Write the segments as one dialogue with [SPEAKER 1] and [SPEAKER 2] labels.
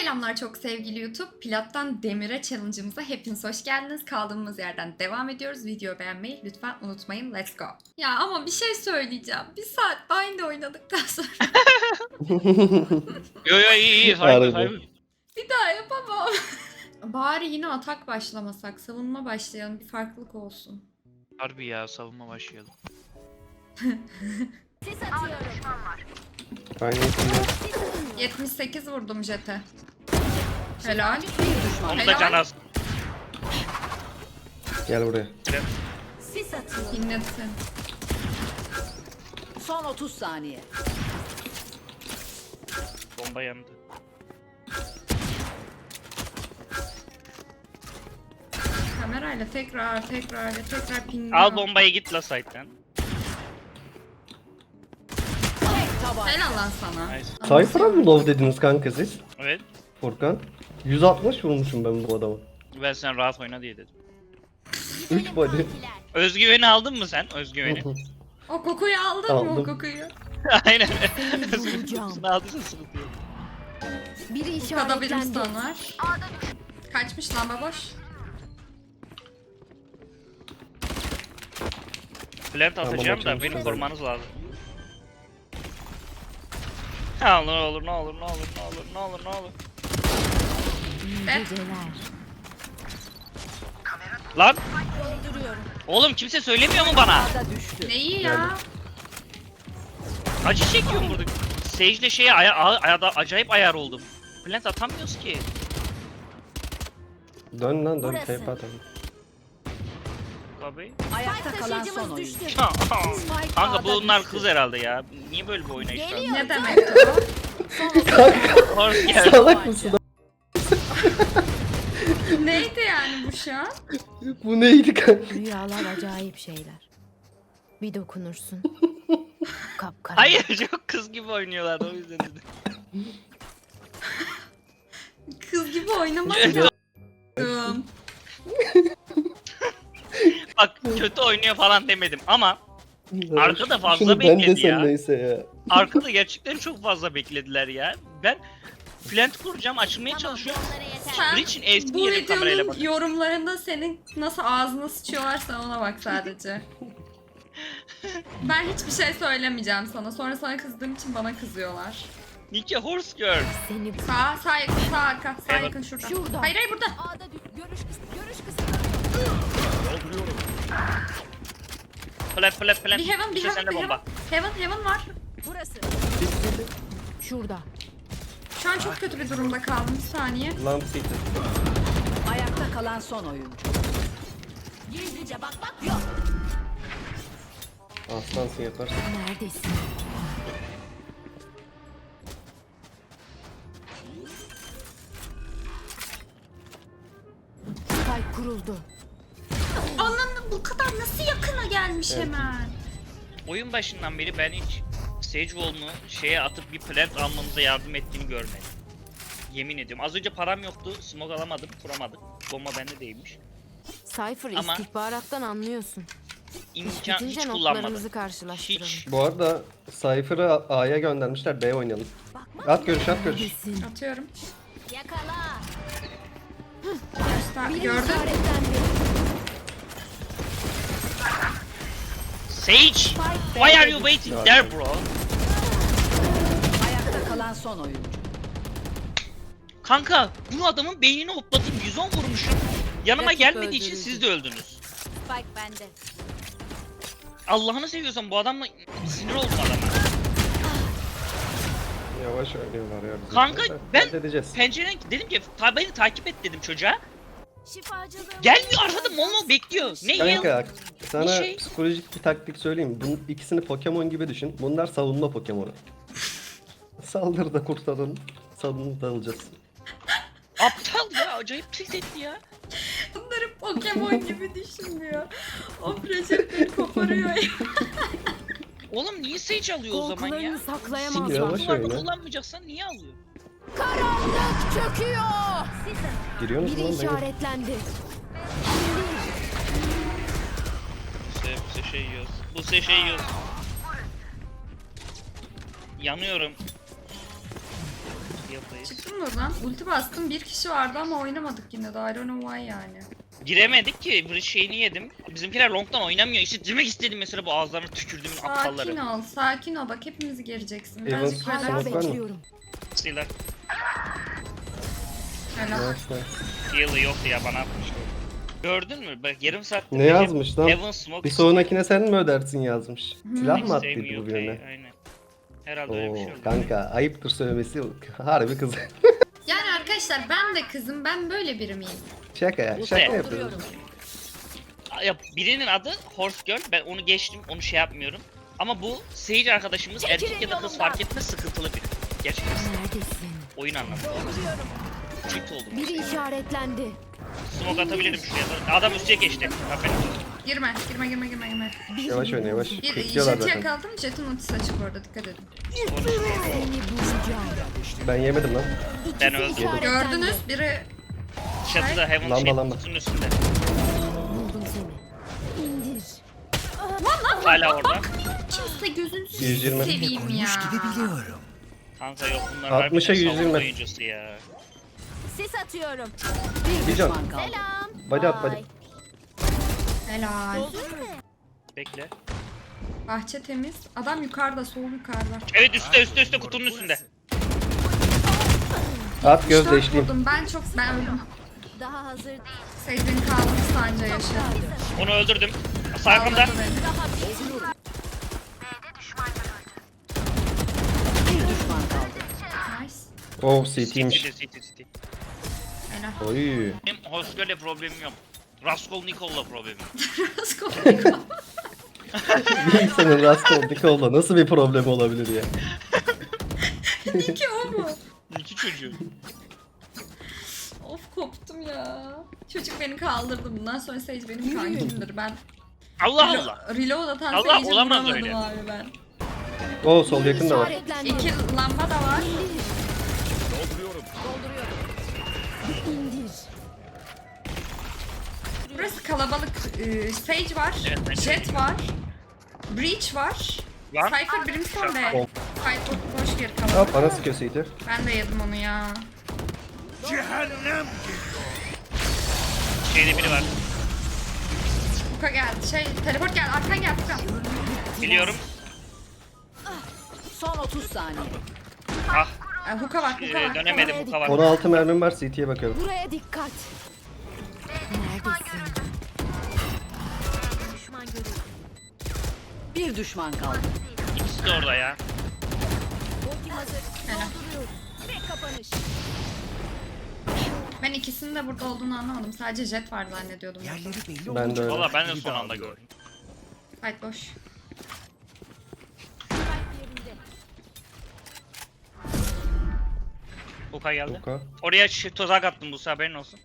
[SPEAKER 1] Selamlar çok sevgili YouTube. Plattan Demir'e challenge'ımıza hepiniz hoş geldiniz. Kaldığımız yerden devam ediyoruz. Videoyu beğenmeyi lütfen unutmayın. Let's go. Ya ama bir şey söyleyeceğim. Bir saat Bind oynadıktan sonra
[SPEAKER 2] Yo iyi
[SPEAKER 3] Harbi.
[SPEAKER 2] saygı.
[SPEAKER 1] bir daha yapamam. Bari yine atak başlamasak. Savunma başlayalım. Bir farklılık olsun.
[SPEAKER 2] Harbi ya savunma başlayalım.
[SPEAKER 4] Ses atıyorum.
[SPEAKER 3] Aynen.
[SPEAKER 1] 78 vurdum jete. Helal.
[SPEAKER 2] Onu da can az.
[SPEAKER 3] Gel buraya.
[SPEAKER 4] Ses atıyorum.
[SPEAKER 1] Dinletsin.
[SPEAKER 4] Son 30 saniye.
[SPEAKER 2] Bomba yandı.
[SPEAKER 1] Kamerayla tekrar ping.
[SPEAKER 2] Al bombayı git la site'den.
[SPEAKER 4] Tek taban.
[SPEAKER 1] Helal lan sana.
[SPEAKER 2] Nice.
[SPEAKER 3] Cypher'a mı low dediniz kanka siz?
[SPEAKER 2] Evet.
[SPEAKER 3] Furkan. 160 vurmuşum ben bu adama.
[SPEAKER 2] Ben sen rahat oyna diye dedim.
[SPEAKER 3] 3 body.
[SPEAKER 2] Özgüveni aldın mı sen? Özgüveni.
[SPEAKER 1] O kokuyu aldın mı o
[SPEAKER 3] Aldım.
[SPEAKER 1] kokuyu?
[SPEAKER 2] Aynen.
[SPEAKER 4] bulacağım.
[SPEAKER 2] Özgüveni aldıysa sıkıntı yok.
[SPEAKER 4] Biri
[SPEAKER 1] Kada bir
[SPEAKER 4] işaretlendi.
[SPEAKER 1] stun var. Kaçmış lan baboş.
[SPEAKER 2] Plant
[SPEAKER 3] Tamam,
[SPEAKER 2] atacağım da
[SPEAKER 3] açılmış
[SPEAKER 2] beni
[SPEAKER 3] kadar.
[SPEAKER 2] korumanız lazım. Ha ne olur ne olur ne olur ne olur ne olur ne olur.
[SPEAKER 4] Geceler.
[SPEAKER 2] Lan
[SPEAKER 4] Dolduruyorum.
[SPEAKER 2] oğlum kimse söylemiyor mu bana?
[SPEAKER 4] Ada düştü.
[SPEAKER 1] Neyi ya?
[SPEAKER 2] Acı çekiyorum burada. Sage'le şeye acayip ayar oldum. Plant atamıyoruz ki.
[SPEAKER 3] Dön lan dön.
[SPEAKER 4] Burası.
[SPEAKER 3] Tape atalım.
[SPEAKER 2] Tabii.
[SPEAKER 4] Ayakta kalan son oyuncu.
[SPEAKER 2] Kanka bunlar kız herhalde ya. Niye böyle bir oynayış var?
[SPEAKER 1] Ne demek o?
[SPEAKER 2] Horse geldi.
[SPEAKER 3] Salak mısın?
[SPEAKER 1] Neydi yani bu şu an?
[SPEAKER 3] Bu neydi kanka?
[SPEAKER 5] Rüyalar acayip şeyler. Bir dokunursun. Kapkara.
[SPEAKER 2] Hayır çok kız gibi oynuyorlar o yüzden dedim.
[SPEAKER 1] Kız gibi oynamak lazım.
[SPEAKER 2] Bak kötü oynuyor falan demedim ama Arkada fazla
[SPEAKER 3] Şunu ben
[SPEAKER 2] bekledi
[SPEAKER 3] desem
[SPEAKER 2] ya.
[SPEAKER 3] neyse ya.
[SPEAKER 2] arkada gerçekten çok fazla beklediler ya. Ben plant kuracağım açılmaya çalışıyorum.
[SPEAKER 1] Sen
[SPEAKER 2] Breach'in eski
[SPEAKER 1] bu
[SPEAKER 2] yeri kamerayla
[SPEAKER 1] videonun
[SPEAKER 2] bak.
[SPEAKER 1] yorumlarında senin nasıl ağzına sıçıyorlarsa ona bak sadece. Ben hiçbir şey söylemeyeceğim sana. Sonra sana kızdığım için bana kızıyorlar.
[SPEAKER 2] Nike horse girl.
[SPEAKER 5] Seni
[SPEAKER 1] Sağ yakın, sağ arka, sağ
[SPEAKER 2] Evet.
[SPEAKER 1] yakın şurada.
[SPEAKER 5] Şurada.
[SPEAKER 1] Hayır burada.
[SPEAKER 4] Ada görüş kısmı.
[SPEAKER 2] Plant.
[SPEAKER 1] Bir heaven, bir
[SPEAKER 2] İşte
[SPEAKER 1] heaven,
[SPEAKER 2] sende
[SPEAKER 1] bir
[SPEAKER 2] bomba.
[SPEAKER 1] heaven. Heaven var.
[SPEAKER 4] Burası.
[SPEAKER 5] şurada.
[SPEAKER 1] Şu an çok kötü bir durumda kaldım. Bir saniye.
[SPEAKER 3] Lamp city.
[SPEAKER 4] Ayakta kalan son oyuncu. Gizlice bak yok.
[SPEAKER 3] Aslansın yaparsın.
[SPEAKER 5] Neredesin? Spike kuruldu.
[SPEAKER 1] Anam bu kadar nasıl yakına gelmiş
[SPEAKER 3] Evet.
[SPEAKER 1] hemen.
[SPEAKER 2] Oyun başından beri ben hiç Sage Wall'unu şeye atıp bir plant almamıza yardım ettiğini görmedim. Yemin ediyorum. Az önce param yoktu. Smoke alamadım. Kuramadık. Bomba bende değilmiş.
[SPEAKER 5] Cypher
[SPEAKER 2] Ama-
[SPEAKER 5] istihbarattan anlıyorsun.
[SPEAKER 2] İmkan hiç
[SPEAKER 5] Bitince
[SPEAKER 2] kullanmadım.
[SPEAKER 5] notlarımızı karşılaştıralım.
[SPEAKER 2] Hiç.
[SPEAKER 3] Bu arada Cypher'ı A'ya göndermişler. B oynayalım. At görüş at görüş.
[SPEAKER 5] Neredesin?
[SPEAKER 1] Atıyorum.
[SPEAKER 4] Yakala.
[SPEAKER 1] Göster.
[SPEAKER 5] Biri
[SPEAKER 1] Gördün.
[SPEAKER 5] işaretlendi.
[SPEAKER 2] Sage! Why are you waiting there bro?
[SPEAKER 4] Ayakta kalan son oyuncu.
[SPEAKER 2] Kanka bu adamın beynini hopladım 110 vurmuşum. Yanıma
[SPEAKER 5] Rakip
[SPEAKER 2] gelmediği için
[SPEAKER 5] öldürüldü.
[SPEAKER 2] siz de öldünüz.
[SPEAKER 4] Spike bende.
[SPEAKER 2] Allah'ını seviyorsan bu adamla sinir oldum adama.
[SPEAKER 3] Yavaş oynuyorlar ya. bizim
[SPEAKER 2] Kanka
[SPEAKER 3] şeyler.
[SPEAKER 2] ben
[SPEAKER 3] Halledeceğiz.
[SPEAKER 2] pencereden dedim ki beni takip et dedim çocuğa.
[SPEAKER 4] Şifacılığım.
[SPEAKER 2] Gelmiyor arkada mol bekliyor. Ne yıl?
[SPEAKER 3] Kanka sana
[SPEAKER 2] Bir şey-
[SPEAKER 3] psikolojik bir taktik söyleyeyim. Bunun ikisini Pokemon gibi düşün. Bunlar savunma Pokemon'u. Saldırı da kurtarın. Savunma da alacağız.
[SPEAKER 2] Aptal ya acayip tilt etti ya.
[SPEAKER 1] Bunları Pokemon gibi düşünmüyor. O projektörü koparıyor ya.
[SPEAKER 2] Oğlum niye Sage alıyor o zaman ya?
[SPEAKER 5] Korkularını saklayamazlar.
[SPEAKER 3] Yavaş
[SPEAKER 2] Duvarda
[SPEAKER 3] oyna.
[SPEAKER 2] kullanmayacaksan niye alıyor?
[SPEAKER 5] Karanlık çöküyor.
[SPEAKER 3] Giriyorsunuz
[SPEAKER 5] Biri
[SPEAKER 3] mu lan? Ben
[SPEAKER 5] işaretlendi.
[SPEAKER 2] Bu şey yiyoruz. Bu şey yiyoruz. Yanıyorum. Yapayız.
[SPEAKER 1] Çıktım buradan. Ulti bastım. Bir kişi vardı ama oynamadık yine de. I don't know why yani.
[SPEAKER 2] Giremedik ki bir şeyini yedim. Bizimkiler long'dan oynamıyor. İşte demek istedim mesela bu ağızlarına tükürdüğümün
[SPEAKER 1] Sakin
[SPEAKER 2] aptalları.
[SPEAKER 1] ol. Sakin ol. Bak hepimizi gereceksin.
[SPEAKER 3] Evans
[SPEAKER 1] Birazcık
[SPEAKER 3] smoke
[SPEAKER 1] relax.
[SPEAKER 3] var mı?
[SPEAKER 5] Bekliyorum.
[SPEAKER 2] Silah.
[SPEAKER 1] Relax.
[SPEAKER 3] Nice nice.
[SPEAKER 2] Heal'ı yoktu ya bana atmıştı. Gördün mü? Bak yarım saattir
[SPEAKER 3] Ne
[SPEAKER 2] Recep
[SPEAKER 3] yazmış lan?
[SPEAKER 2] Heaven Smoke
[SPEAKER 3] Bir sonrakine sen mi ödersin yazmış. Silah mı attıydı
[SPEAKER 2] istemiyor
[SPEAKER 3] bu birine?
[SPEAKER 2] Aynen. Herhalde öyle bir şey
[SPEAKER 3] Oo
[SPEAKER 2] oldu.
[SPEAKER 3] kanka ayıptır söylemesi harbi kız.
[SPEAKER 1] Yani arkadaşlar ben de kızım. Ben böyle biri miyim?
[SPEAKER 3] Şaka ya şaka yapıyorum.
[SPEAKER 2] Ya birinin adı Horse Girl. Ben onu geçtim. Onu şey yapmıyorum. Ama bu Sage arkadaşımız erkek ya da kız fark etmez sıkıntılı biri. Gerçekten
[SPEAKER 5] Neredesin?
[SPEAKER 2] oyun anlamında. Çift oldum.
[SPEAKER 5] Biri işaretlendi.
[SPEAKER 2] Smoke atabilirim şuraya. Adam üstüne geçti. Aferin.
[SPEAKER 1] Girme. Girme girme girme girme.
[SPEAKER 3] Yavaş oyna yavaş.
[SPEAKER 1] Bir
[SPEAKER 3] Bekliyorlar
[SPEAKER 1] jeti
[SPEAKER 3] zaten.
[SPEAKER 1] yakaladım. Jet'in ultisi açık orada. Dikkat edin.
[SPEAKER 5] Seni bulacağım.
[SPEAKER 3] Ben yemedim lan.
[SPEAKER 2] Ben
[SPEAKER 5] İkisi
[SPEAKER 2] öldüm.
[SPEAKER 5] işaretlendi.
[SPEAKER 1] Gördünüz. Biri
[SPEAKER 2] Çatıda Heaven
[SPEAKER 3] Lamba,
[SPEAKER 2] şey
[SPEAKER 3] lamba.
[SPEAKER 2] kutunun üstünde.
[SPEAKER 5] Buldum seni. İndir.
[SPEAKER 2] Hala orada.
[SPEAKER 1] kimse gözünü
[SPEAKER 3] 120.
[SPEAKER 1] seveyim ya.
[SPEAKER 2] Kanka yok bunlar
[SPEAKER 3] 60'a
[SPEAKER 2] harbiden savunma
[SPEAKER 3] 120.
[SPEAKER 2] oyuncusu ya.
[SPEAKER 4] Sis atıyorum.
[SPEAKER 5] Bir
[SPEAKER 3] Bir can.
[SPEAKER 5] düşman kaldı.
[SPEAKER 4] Selam.
[SPEAKER 3] Body at body.
[SPEAKER 4] Bye.
[SPEAKER 1] Helal.
[SPEAKER 2] Bekle.
[SPEAKER 1] Bahçe temiz. Adam yukarıda. Sol yukarıda.
[SPEAKER 2] Evet üstte kutunun üstünde.
[SPEAKER 3] At göz
[SPEAKER 1] 4
[SPEAKER 3] değiştiğim.
[SPEAKER 1] vurdum. Ben öldüm.
[SPEAKER 4] Daha hazır değil.
[SPEAKER 1] Seyircinin kaldı sanca yaşıyor.
[SPEAKER 2] Onu öldürdüm. Sarkımda.
[SPEAKER 1] Ağladı beni.
[SPEAKER 5] Bir düşman kaldı.
[SPEAKER 1] Nice.
[SPEAKER 3] Oh CT'ymiş.
[SPEAKER 2] City.
[SPEAKER 1] Helal.
[SPEAKER 3] Oy.
[SPEAKER 2] Benim Hoskör'le problemim yok. Raskolnikov'la problemim.
[SPEAKER 1] Raskolnikov.
[SPEAKER 3] Bir insanın Raskolnikov'la nasıl bir problemi olabilir ya?
[SPEAKER 1] İki o mu?
[SPEAKER 2] İki çocuğu.
[SPEAKER 1] Of koptum ya. Çocuk beni kaldırdı. Bundan sonra Sage benim kankimdir. Ben
[SPEAKER 2] Allah Allah.
[SPEAKER 1] reload atan
[SPEAKER 2] Allah,
[SPEAKER 1] Sage'i
[SPEAKER 2] olamaz
[SPEAKER 1] vuramadım
[SPEAKER 2] öyle.
[SPEAKER 1] abi ben.
[SPEAKER 3] Oh sol yakın da var.
[SPEAKER 5] İşaretlendi.
[SPEAKER 1] İki lamba da var.
[SPEAKER 5] İndir.
[SPEAKER 1] Burası kalabalık. Sage var.
[SPEAKER 2] Evet, ben
[SPEAKER 1] Jet var. Breach var.
[SPEAKER 2] Lan.
[SPEAKER 1] Cypher Brimstone
[SPEAKER 3] Oh.
[SPEAKER 1] ve Cypher boş bir
[SPEAKER 3] Hop
[SPEAKER 1] kalabalık.
[SPEAKER 3] bana sıkıyor CT.
[SPEAKER 1] Ben de yedim onu ya.
[SPEAKER 2] Şeyde biri var.
[SPEAKER 1] Buka geldi. Teleport geldi. Arkan geldi. Furkan.
[SPEAKER 2] Biliyorum.
[SPEAKER 5] Son 30 saniye.
[SPEAKER 2] Ah
[SPEAKER 1] Hook'a bak. Hook'a bak.
[SPEAKER 2] dönemedim bu kavar.
[SPEAKER 3] 16 mermim var CT'ye bakıyorum.
[SPEAKER 5] Buraya dikkat. Neredesin? Bir düşman kaldı.
[SPEAKER 2] İkisi de orada ya.
[SPEAKER 4] Ultim hazır. Dolduruyorum. Tek kapanış.
[SPEAKER 1] Ben ikisinin de burada olduğunu anlamadım. Sadece Jet var zannediyordum.
[SPEAKER 3] Ben de öyle.
[SPEAKER 2] Valla ben de son anda gördüm.
[SPEAKER 1] Fight boş.
[SPEAKER 4] Yerinde.
[SPEAKER 2] Buka geldi.
[SPEAKER 3] Buka.
[SPEAKER 2] Oraya tuzak attım bu haberin olsun.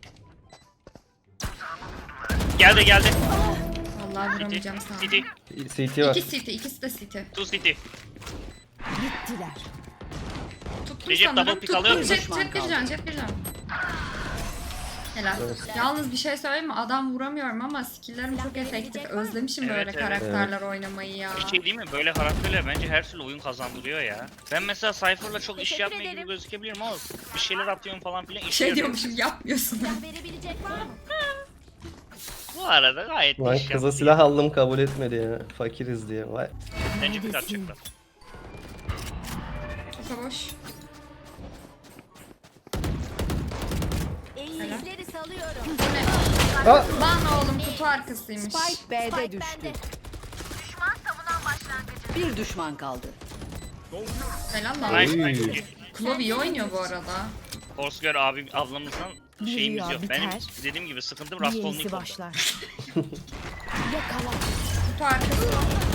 [SPEAKER 2] Geldi.
[SPEAKER 1] Vallahi vuramayacağım sana.
[SPEAKER 2] City.
[SPEAKER 3] CT var.
[SPEAKER 1] İki CT. İkisi de CT.
[SPEAKER 2] Two City.
[SPEAKER 5] Bittiler.
[SPEAKER 1] Tuttum
[SPEAKER 2] Recep
[SPEAKER 1] sanırım.
[SPEAKER 2] double pick alıyor
[SPEAKER 1] Tuttum.
[SPEAKER 2] mu?
[SPEAKER 1] Jet bir can. Jet bir can. Helal. Yalnız bir şey söyleyeyim mi? Adam vuramıyorum ama skill'lerim çok efektif. Özlemişim
[SPEAKER 2] Evet,
[SPEAKER 1] böyle
[SPEAKER 2] evet.
[SPEAKER 1] karakterler oynamayı ya.
[SPEAKER 2] Bir şey değil mi? Böyle karakterler bence her türlü oyun kazandırıyor ya. Ben mesela Cypher'la çok iş
[SPEAKER 4] Teşekkür
[SPEAKER 2] yapmaya gibi
[SPEAKER 4] ederim.
[SPEAKER 2] gözükebilirim ama bir şeyler atıyorum falan filan işe
[SPEAKER 1] Şey
[SPEAKER 2] yarıyor.
[SPEAKER 1] diyormuşum yapmıyorsun.
[SPEAKER 4] Silah verebilecek var mı?
[SPEAKER 2] Bu arada gayet
[SPEAKER 3] Lan
[SPEAKER 2] iş
[SPEAKER 3] kıza
[SPEAKER 2] yaptı.
[SPEAKER 3] silah aldım kabul etmedi ya. Fakiriz diye. Vay.
[SPEAKER 2] Bence bir atacaklar.
[SPEAKER 1] Hook'a boş.
[SPEAKER 4] Eğizleri salıyorum.
[SPEAKER 1] Bu ne?
[SPEAKER 3] Aa!
[SPEAKER 1] Lan oğlum kutu arkasıymış.
[SPEAKER 5] Spike B'de
[SPEAKER 4] Spike
[SPEAKER 5] düştü.
[SPEAKER 4] bende.
[SPEAKER 5] Bir düşman kaldı.
[SPEAKER 1] Helal lan.
[SPEAKER 2] Nice
[SPEAKER 3] Oy.
[SPEAKER 2] nice.
[SPEAKER 1] Klov iyi oynuyor bu arada.
[SPEAKER 2] Horsegear abi ablamızdan
[SPEAKER 5] Bir
[SPEAKER 2] şeyimiz
[SPEAKER 5] rüya
[SPEAKER 2] yok.
[SPEAKER 5] biter,
[SPEAKER 2] Benim dediğim gibi sıkıntım
[SPEAKER 5] Yenisi
[SPEAKER 2] Raskolnikov'da.
[SPEAKER 5] başlar. Yakala.
[SPEAKER 1] Kutu arkası.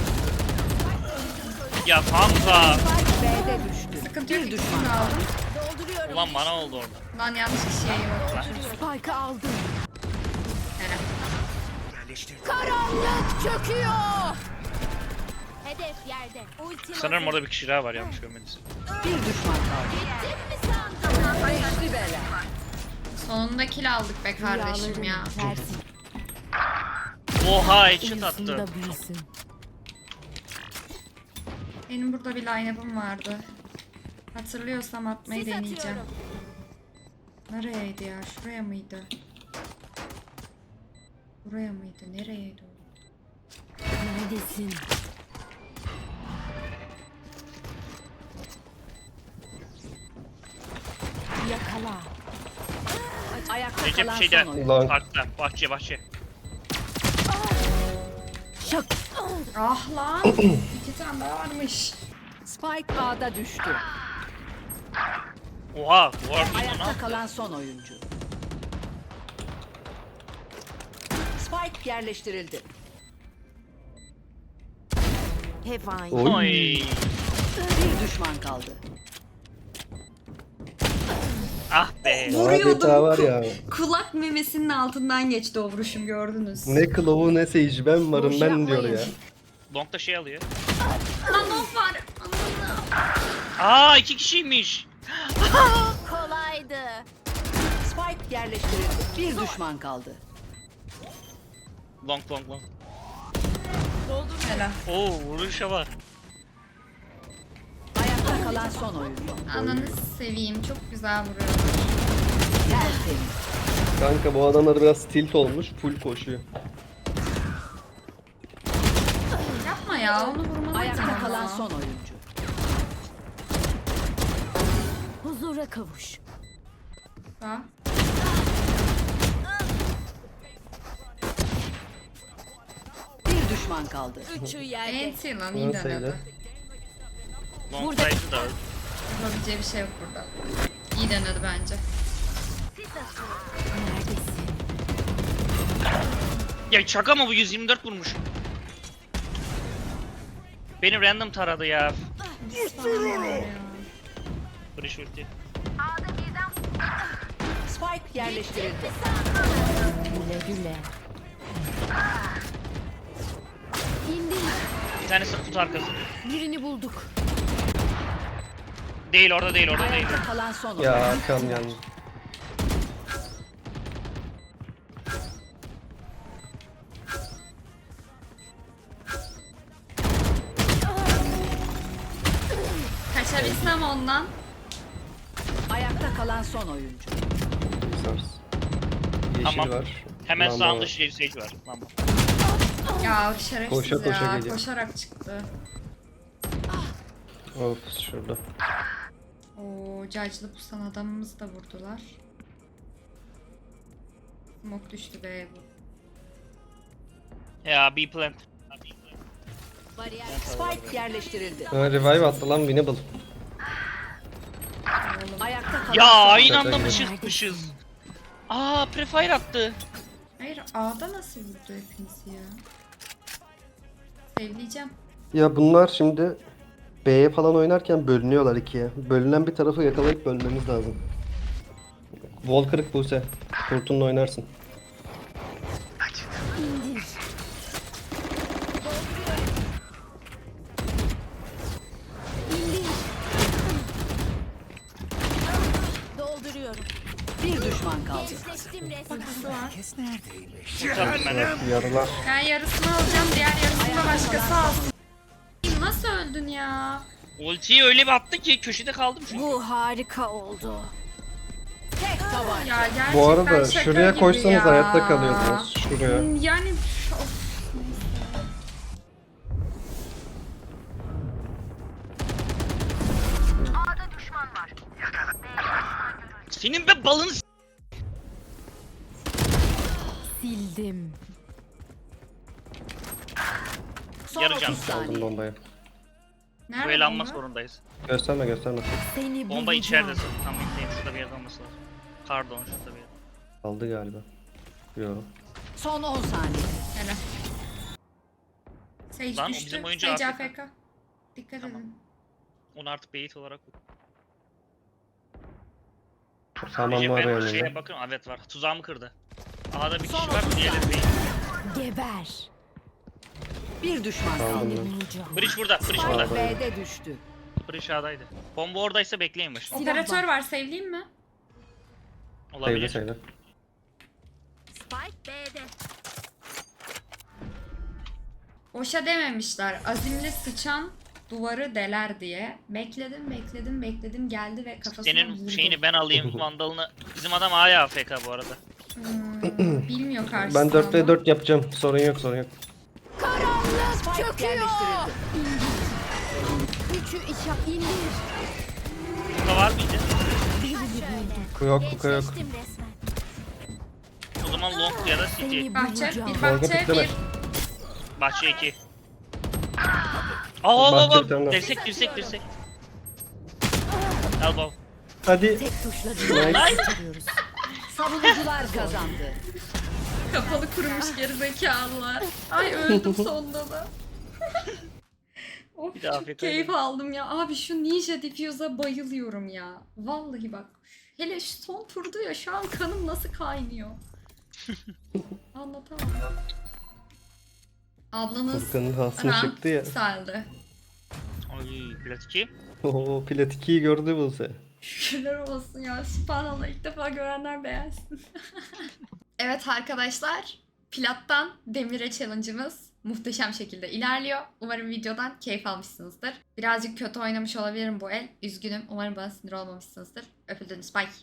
[SPEAKER 2] Ya Hamza!
[SPEAKER 5] Spike B'de düştü.
[SPEAKER 1] Sıkıntı yok.
[SPEAKER 5] Bir
[SPEAKER 1] İkisini
[SPEAKER 5] düşman
[SPEAKER 1] de
[SPEAKER 5] kaldı.
[SPEAKER 1] aldım.
[SPEAKER 4] Dolduruyorum.
[SPEAKER 2] Ulan bana oldu orada.
[SPEAKER 1] Lan yanlış kişiye yok.
[SPEAKER 5] Spike'ı aldım.
[SPEAKER 1] Helal.
[SPEAKER 5] Karanlık çöküyor.
[SPEAKER 4] Hedef yerde. Ultim
[SPEAKER 2] Sanırım
[SPEAKER 4] hazır.
[SPEAKER 2] orada bir kişi daha var yanlış görmediniz.
[SPEAKER 5] Bir düşman kaldı.
[SPEAKER 4] Gittim mi sandın?
[SPEAKER 5] Beşli bela.
[SPEAKER 1] Sonunda kill aldık be kardeşim ya.
[SPEAKER 5] tersi.
[SPEAKER 2] Oha headshot attı.
[SPEAKER 5] Uyusunda büyüsün.
[SPEAKER 1] Benim burada bir line-up'ım vardı. Hatırlıyorsam atmayı
[SPEAKER 4] Sis
[SPEAKER 1] deneyeceğim.
[SPEAKER 4] atıyorum.
[SPEAKER 1] Nereyeydi ya? Şuraya mıydı? Buraya mıydı? Nereyeydi o?
[SPEAKER 4] Neredesin? Yakala.
[SPEAKER 5] Ayakta
[SPEAKER 2] Recep
[SPEAKER 5] kalan
[SPEAKER 2] şeyde.
[SPEAKER 5] son oyuncu.
[SPEAKER 3] Ulan
[SPEAKER 2] Parkta. Bahçe.
[SPEAKER 5] Şak.
[SPEAKER 1] Ah lan! 2 tane daha varmış.
[SPEAKER 5] Spike A'da düştü.
[SPEAKER 2] Oha. Bu arada ne
[SPEAKER 5] Ayakta
[SPEAKER 2] yaptı?
[SPEAKER 5] kalan son oyuncu. Spike yerleştirildi.
[SPEAKER 4] Hevain.
[SPEAKER 3] oy.
[SPEAKER 2] Oy.
[SPEAKER 5] Bir düşman kaldı.
[SPEAKER 2] Ah be.
[SPEAKER 1] Vuruyordum.
[SPEAKER 3] Adeta var ya.
[SPEAKER 1] Kulak memesinin altından geçti o vuruşum, gördünüz.
[SPEAKER 3] Ne kılavu ne seyirci ben varım
[SPEAKER 1] Boş
[SPEAKER 3] ben diyor
[SPEAKER 1] yapmayın.
[SPEAKER 3] ya.
[SPEAKER 2] Long da şey alıyor.
[SPEAKER 1] Lan of var.
[SPEAKER 2] Aa 2 kişiymiş.
[SPEAKER 4] Kolaydı.
[SPEAKER 5] Spike yerleştirildi. Bir düşman kaldı.
[SPEAKER 2] Long.
[SPEAKER 1] Helal.
[SPEAKER 2] Oo vuruşa bak.
[SPEAKER 5] Ayakta kalan son oyuncu.
[SPEAKER 1] Ananı seveyim, çok güzel vuruyor.
[SPEAKER 5] Tertemiz.
[SPEAKER 3] Kanka bu adamlar biraz tilt olmuş full koşuyor.
[SPEAKER 1] Yapma ya, onu vurmalıydım
[SPEAKER 5] Ayakta
[SPEAKER 1] ama.
[SPEAKER 5] kalan son oyuncu.
[SPEAKER 4] Huzura kavuş.
[SPEAKER 1] Ha?
[SPEAKER 5] Bir düşman kaldı.
[SPEAKER 4] Üçü yerde.
[SPEAKER 1] Enti lan, iyi
[SPEAKER 3] Nasıl
[SPEAKER 1] denedi.
[SPEAKER 3] öyle?
[SPEAKER 2] Long side'ı da öldü.
[SPEAKER 1] Yapabileceği bir şey yok burada. İyi denedi bence.
[SPEAKER 4] Neredesin?
[SPEAKER 2] Ya şaka mı bu 124 vurmuş. Beni random taradı ya. Breach ulti.
[SPEAKER 5] Spike yerleştirildi.
[SPEAKER 4] Güle güle. İndi.
[SPEAKER 2] Bir tanesi kutu arkası.
[SPEAKER 4] Birini bulduk.
[SPEAKER 2] Değil orada değil.
[SPEAKER 5] Ayakta kalan son oyuncu.
[SPEAKER 3] Ya arkam yalnız.
[SPEAKER 1] Kaçabilsem ondan.
[SPEAKER 5] Ayakta kalan son oyuncu.
[SPEAKER 3] Sars. Yeşil
[SPEAKER 2] Tamam.
[SPEAKER 3] var.
[SPEAKER 2] Hemen
[SPEAKER 3] Lamba
[SPEAKER 2] sağında
[SPEAKER 3] var.
[SPEAKER 2] sage var. Tamam.
[SPEAKER 1] Ya şerefsiz
[SPEAKER 3] Koşa koşa
[SPEAKER 1] ya.
[SPEAKER 3] geliyor.
[SPEAKER 1] Koşarak çıktı.
[SPEAKER 3] Of şurada.
[SPEAKER 1] Oo, cacılı pusan adamımızı da vurdular. Smoke düştü be bu.
[SPEAKER 2] Ya B plant.
[SPEAKER 4] Bariyer.
[SPEAKER 5] Spike yerleştirildi.
[SPEAKER 3] Ha, revive attı lan winnable.
[SPEAKER 5] Ayakta kalan
[SPEAKER 2] Ya
[SPEAKER 5] son
[SPEAKER 2] aynı
[SPEAKER 3] Şaka
[SPEAKER 2] anda mı
[SPEAKER 3] gibi.
[SPEAKER 2] çıkmışız? Aa prefire attı.
[SPEAKER 1] Hayır, A'da nasıl vurdu hepinizi ya? Sevleyeceğim.
[SPEAKER 3] Ya bunlar şimdi B'ye falan oynarken bölünüyorlar ikiye. Bölünen bir tarafı yakalayıp bölmemiz lazım. Wall kırık Buse. Kurtunla oynarsın.
[SPEAKER 4] İndir. İndir. Dolduruyorum.
[SPEAKER 5] bir düşman kaldı.
[SPEAKER 4] Gençleştim resmen.
[SPEAKER 2] Kurtardım ben de.
[SPEAKER 3] Yarılar.
[SPEAKER 1] Ben yarısını alacağım, diğer yarısını da başkası alsın. Nasıl öldün ya?
[SPEAKER 2] Ultiyi öyle bir attı ki köşede kaldım çünkü.
[SPEAKER 4] Bu harika oldu.
[SPEAKER 5] Tek tabanca.
[SPEAKER 1] Ya gerçekten
[SPEAKER 3] Bu arada
[SPEAKER 1] şaka
[SPEAKER 3] şuraya
[SPEAKER 1] gibi
[SPEAKER 3] koşsanız
[SPEAKER 1] ya.
[SPEAKER 3] hayatta kalıyordunuz. Şuraya.
[SPEAKER 1] Yani of, neyse.
[SPEAKER 2] Senin be balını s-
[SPEAKER 4] Sildim.
[SPEAKER 5] Son
[SPEAKER 2] Yarayacağım.
[SPEAKER 5] 30
[SPEAKER 3] Aldım
[SPEAKER 5] saniye.
[SPEAKER 3] bombayı.
[SPEAKER 1] Nerede
[SPEAKER 2] böyle almak
[SPEAKER 1] bomba?
[SPEAKER 2] zorundayız.
[SPEAKER 3] Gösterme gösterme.
[SPEAKER 4] Seni
[SPEAKER 2] Bomba
[SPEAKER 4] bulacağım.
[SPEAKER 2] içeridesin. Tam bekleyeyim şurada bir yerde olması lazım. Pardon şurada bir yerde.
[SPEAKER 3] Aldı galiba. Yo.
[SPEAKER 5] Son 10 saniye.
[SPEAKER 1] Helal. Sage
[SPEAKER 2] Lan, o
[SPEAKER 1] düştü.
[SPEAKER 2] bizim oyuncu
[SPEAKER 1] Sage
[SPEAKER 2] AFK.
[SPEAKER 1] AFK. Dikkat
[SPEAKER 2] Tamam.
[SPEAKER 1] edin.
[SPEAKER 2] Onu artık bait olarak.
[SPEAKER 3] Tamam
[SPEAKER 2] Recep,
[SPEAKER 3] var
[SPEAKER 2] ben
[SPEAKER 3] önünde.
[SPEAKER 2] şeye bakın evet var. Tuzağımı kırdı. A'da bir
[SPEAKER 5] Son
[SPEAKER 2] kişi var
[SPEAKER 5] 30
[SPEAKER 2] diğerleri
[SPEAKER 5] saniye.
[SPEAKER 2] bait.
[SPEAKER 4] Geber.
[SPEAKER 5] Bir düşman kaldı.
[SPEAKER 3] Aldım
[SPEAKER 4] Seni
[SPEAKER 3] ben.
[SPEAKER 4] bulacağım.
[SPEAKER 2] Breach burada. Breach
[SPEAKER 5] Spike
[SPEAKER 2] burada.
[SPEAKER 5] B'de düştü.
[SPEAKER 2] Breach A'daydı. Bomba oradaysa bekleyin baş.
[SPEAKER 1] Operatör var, sevleyeyim mi?
[SPEAKER 3] Sayıda
[SPEAKER 2] Olabilir.
[SPEAKER 3] sayıda.
[SPEAKER 4] Spike B'de.
[SPEAKER 1] Boşa dememişler. Azimli sıçan duvarı deler diye. Bekledim geldi ve kafasına
[SPEAKER 2] Senin
[SPEAKER 1] vurdu.
[SPEAKER 2] şeyini ben alayım, vandalını. Bizim adam A'ya AFK bu arada.
[SPEAKER 1] Bilmiyor karşısında
[SPEAKER 3] Ben 4v
[SPEAKER 1] ama.
[SPEAKER 3] 4 yapacağım. Sorun yok.
[SPEAKER 5] Spike yerleştirildi.
[SPEAKER 4] Üçü içap indir.
[SPEAKER 2] Burada var mıydı?
[SPEAKER 3] Yok yok.
[SPEAKER 4] Geçtim resmen.
[SPEAKER 2] O zaman long ya da city.
[SPEAKER 4] Seni
[SPEAKER 1] Bahçe,
[SPEAKER 4] bulacağım.
[SPEAKER 1] bir
[SPEAKER 3] Dalga
[SPEAKER 1] bahçe,
[SPEAKER 3] pikleme.
[SPEAKER 1] bir
[SPEAKER 2] Bahçe 2. Al
[SPEAKER 3] Bahçe bir tane daha.
[SPEAKER 2] dirsek. Al baba.
[SPEAKER 3] Hadi.
[SPEAKER 4] Tek tuşla
[SPEAKER 3] Nice.
[SPEAKER 4] bitiriyoruz.
[SPEAKER 5] Savunucular kazandı.
[SPEAKER 1] kapalı kurumuş gerizekalılar. Ay öldüm sonunda da. Of
[SPEAKER 2] Bir de
[SPEAKER 1] çok
[SPEAKER 2] afiyet
[SPEAKER 1] keyif
[SPEAKER 2] olsun.
[SPEAKER 1] aldım ya. Abi şu Ninja Diffuse'a bayılıyorum ya. Vallahi bak. Hele şu son turdu ya şu an kanım nasıl kaynıyor. Anlatamam. Ablanız
[SPEAKER 3] Furkan'ın hasını
[SPEAKER 1] rank
[SPEAKER 3] çıktı ya.
[SPEAKER 1] yükseldi.
[SPEAKER 2] Ay plat 2.
[SPEAKER 3] Oo plat 2'yi gördü Buse.
[SPEAKER 1] Şükürler olsun ya. Sübhanallah ilk defa görenler beğensin. Evet arkadaşlar. Plattan demire challenge'ımız muhteşem şekilde ilerliyor. Umarım videodan keyif almışsınızdır. Birazcık kötü oynamış olabilirim bu el. Üzgünüm. Umarım bana sinir olmamışsınızdır. Öpüldünüz. Bye.